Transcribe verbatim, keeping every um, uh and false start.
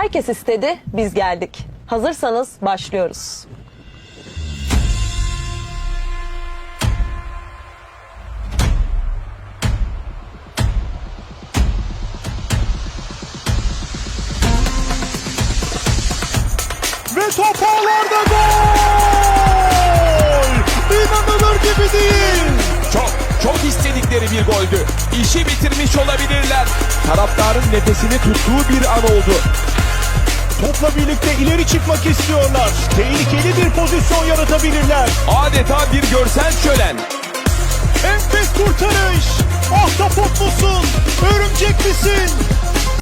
Herkes istedi, biz geldik. Hazırsanız başlıyoruz. Ve top ağlarda gol! İnanılır gibi değil. Çok, çok istedikleri bir goldü. İşi bitirmiş olabilirler. Taraftarın nefesini tuttuğu bir an oldu. Topla birlikte ileri çıkmak istiyorlar. Tehlikeli bir pozisyon yaratabilirler. Adeta bir görsel şölen. Enfes kurtarış. Ahtapot musun? Örümcek misin?